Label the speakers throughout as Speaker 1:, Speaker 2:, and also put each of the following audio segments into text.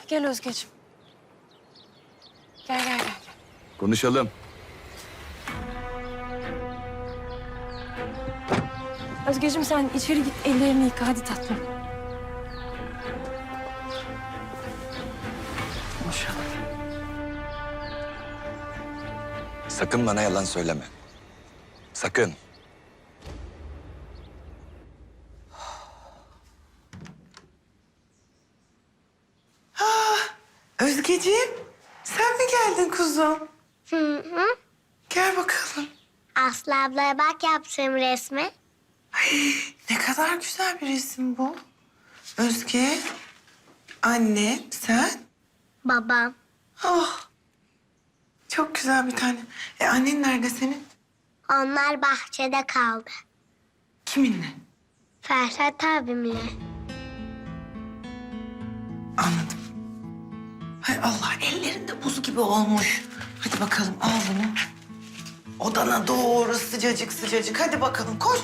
Speaker 1: Gel Özgeciğim. Gel.
Speaker 2: Konuşalım.
Speaker 1: Özgeciğim sen içeri git, ellerini yıka. Hadi tatlım.
Speaker 2: Konuşalım. Sakın bana yalan söyleme. Sakın.
Speaker 3: Özgeciğim, sen mi geldin kuzum?
Speaker 4: Hı.
Speaker 3: Gel bakalım.
Speaker 4: Aslı ablaya bak yaptığım resmi.
Speaker 3: Ne kadar güzel bir resim bu. Özge, anne, sen.
Speaker 4: Babam.
Speaker 3: Oh, çok güzel bir tane. Annen nerede senin?
Speaker 4: Onlar bahçede kaldı.
Speaker 3: Kiminle?
Speaker 4: Ferhat abimle.
Speaker 3: Anladım. Hay Allah, ellerinde buz gibi olmuş. Hadi bakalım, al bunu. Odana doğru sıcacık sıcacık. Hadi bakalım, koş.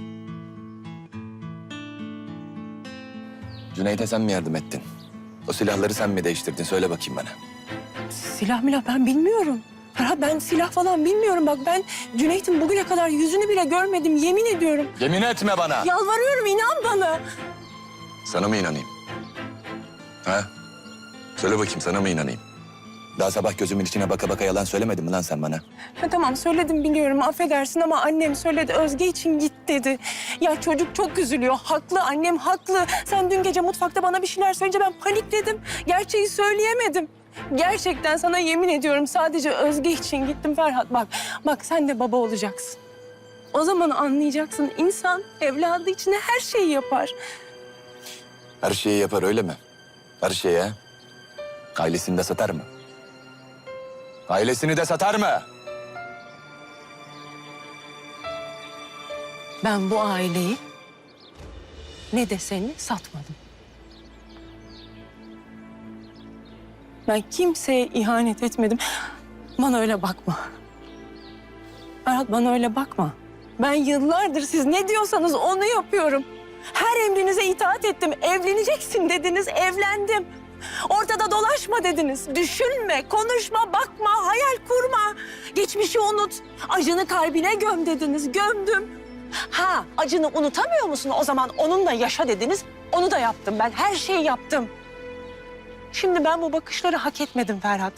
Speaker 2: Cüneyt'e sen mi yardım ettin? O silahları sen mi değiştirdin? Söyle bakayım bana.
Speaker 1: Silah milah ben bilmiyorum. Ferhat ben silah falan bilmiyorum. Bak ben Cüneyt'in bugüne kadar yüzünü bile görmedim. Yemin ediyorum.
Speaker 2: Yemin etme bana.
Speaker 1: Yalvarıyorum inan bana.
Speaker 2: Sana mı inanayım? Ha? Söyle bakayım, sana mı inanayım? Daha sabah gözümün içine baka baka yalan söylemedin mi lan sen bana?
Speaker 1: Ha, tamam söyledim biliyorum affedersin ama annem söyledi Özge için git dedi. Ya çocuk çok üzülüyor. Haklı annem haklı. Sen dün gece mutfakta bana bir şeyler söyleyince ben panikledim. Gerçeği söyleyemedim. Gerçekten sana yemin ediyorum sadece Özge için gittim Ferhat. Bak sen de baba olacaksın. O zaman anlayacaksın insan evladı için her şeyi yapar.
Speaker 2: Her şeyi yapar öyle mi? Her şeyi ha? Ailesini de satar mı? Ailesini de satar mı?
Speaker 1: Ben bu aileyi ne de seni satmadım. Ben kimseye ihanet etmedim. Bana öyle bakma. Ferhat bana öyle bakma. Ben yıllardır siz ne diyorsanız onu yapıyorum. Her emrinize itaat ettim. Evleneceksin dediniz, evlendim. Ortada dolaşma dediniz. Düşünme, konuşma, bakma, hayal kurma. Geçmişi unut. Acını kalbine göm dediniz. Gömdüm. Ha, acını unutamıyor musun? O zaman onunla yaşa dediniz. Onu da yaptım ben. Her şeyi yaptım. Şimdi ben bu bakışları hak etmedim Ferhat.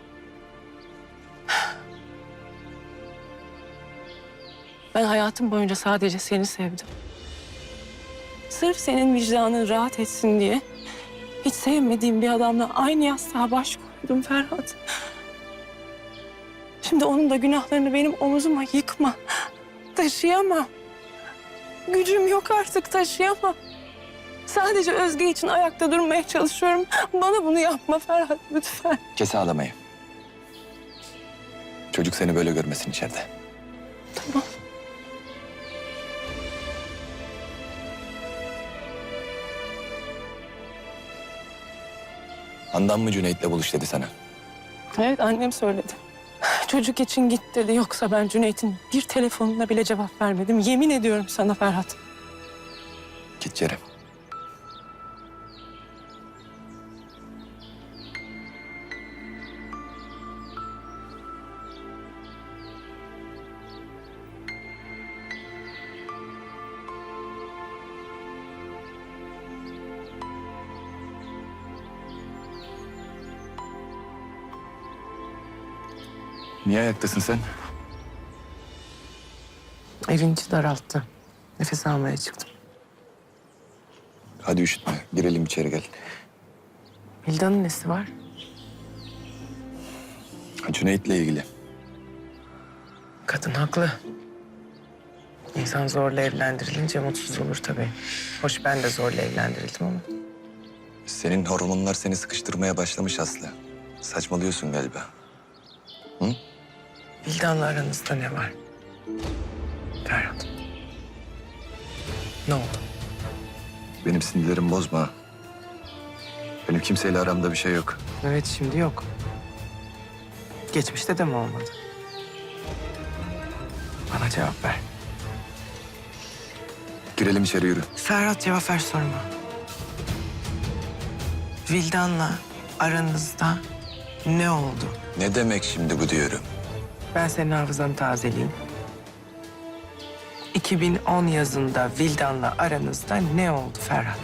Speaker 1: Ben hayatım boyunca sadece seni sevdim. Sırf senin vicdanın rahat etsin diye hiç sevmediğim bir adamla aynı yastığa baş koydum Ferhat. Şimdi onun da günahlarını benim omuzuma yıkma. Taşıyamam. Gücüm yok artık taşıyamam. Sadece Özge için ayakta durmaya çalışıyorum. Bana bunu yapma Ferhat lütfen.
Speaker 2: Kes ağlamayı. Çocuk seni böyle görmesin içeride.
Speaker 1: Tamam.
Speaker 2: Handan mı Cüneyt'le buluş dedi sana?
Speaker 1: Evet annem söyledi. Çocuk için git dedi. Yoksa ben Cüneyt'in bir telefonuna bile cevap vermedim. Yemin ediyorum sana Ferhat.
Speaker 2: Git Ceren. Niye ayaktasın sen?
Speaker 5: Evin içi daralttı. Nefes almaya çıktım.
Speaker 2: Hadi üşütme. Girelim içeri gel.
Speaker 5: Hilda'nın nesi var?
Speaker 2: Cüneyt'le ilgili.
Speaker 5: Kadın haklı. İnsan zorla evlendirilince mutsuz olur tabii. Hoş ben de zorla evlendirildim ama.
Speaker 2: Senin hormonlar seni sıkıştırmaya başlamış Aslı. Saçmalıyorsun galiba. Hı?
Speaker 5: Hilda'nla aranızda ne var? Ferhat. Ne oldu?
Speaker 2: Benim sinirlerimi bozma. Benim kimseyle aramda bir şey yok.
Speaker 5: Evet şimdi yok. Geçmişte de mi olmadı? Bana cevap ver.
Speaker 2: Girelim içeri yürü.
Speaker 5: Ferhat cevap ver sorma. Vildan'la aranızda ne oldu?
Speaker 2: Ne demek şimdi bu diyorum?
Speaker 5: Ben senin hafızanı tazeleyeyim. 2010 yazında Vildan'la aranızda ne oldu Ferhat?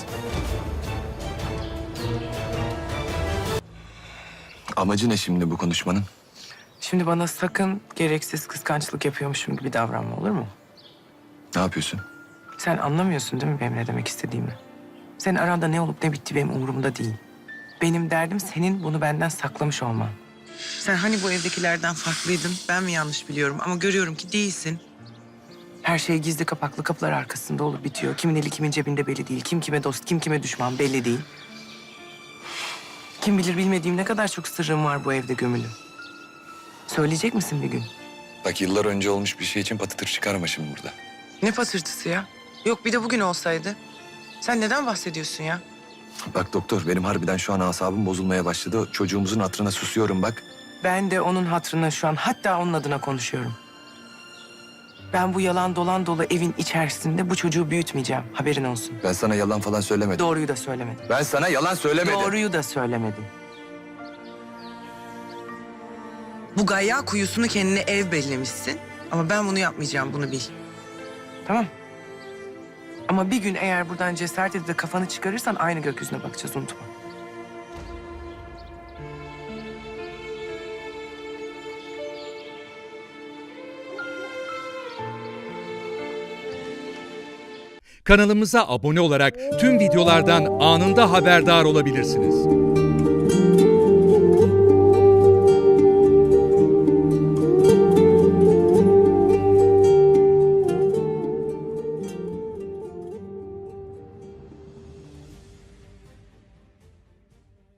Speaker 2: Amacı ne şimdi bu konuşmanın?
Speaker 5: Şimdi bana sakın gereksiz kıskançlık yapıyormuşum gibi davranma, olur mu?
Speaker 2: Ne yapıyorsun?
Speaker 5: Sen anlamıyorsun değil mi benim ne demek istediğimi? Senin aranda ne olup ne bitti benim umurumda değil. Benim derdim senin bunu benden saklamış olman. Sen hani bu evdekilerden farklıydın, ben mi yanlış biliyorum ama görüyorum ki değilsin. Her şey gizli kapaklı kapılar arkasında olur bitiyor. Kimin eli kimin cebinde belli değil. Kim kime dost, kim kime düşman belli değil. Kim bilir bilmediğim ne kadar çok sırrım var bu evde gömülü. Söyleyecek misin bir gün?
Speaker 2: Bak yıllar önce olmuş bir şey için patatır çıkarma şimdi burada.
Speaker 5: Ne patırtısı ya? Yok bir de bugün olsaydı. Sen neden bahsediyorsun ya?
Speaker 2: Bak doktor benim harbiden şu an asabım bozulmaya başladı. Çocuğumuzun hatırına susuyorum bak.
Speaker 5: Ben de onun hatırına şu an hatta onun adına konuşuyorum. Ben bu yalan dolan dolu evin içerisinde bu çocuğu büyütmeyeceğim. Haberin olsun.
Speaker 2: Ben sana yalan falan söylemedim.
Speaker 5: Doğruyu da söylemedim.
Speaker 2: Ben sana yalan söylemedim.
Speaker 5: Doğruyu da söylemedim. Bu gayya kuyusunu kendine ev bellemişsin. Ama ben bunu yapmayacağım, bunu bil. Tamam. Ama bir gün eğer buradan cesaret edip de kafanı çıkarırsan aynı gökyüzüne bakacağız, unutma.
Speaker 6: Kanalımıza abone olarak tüm videolardan anında haberdar olabilirsiniz.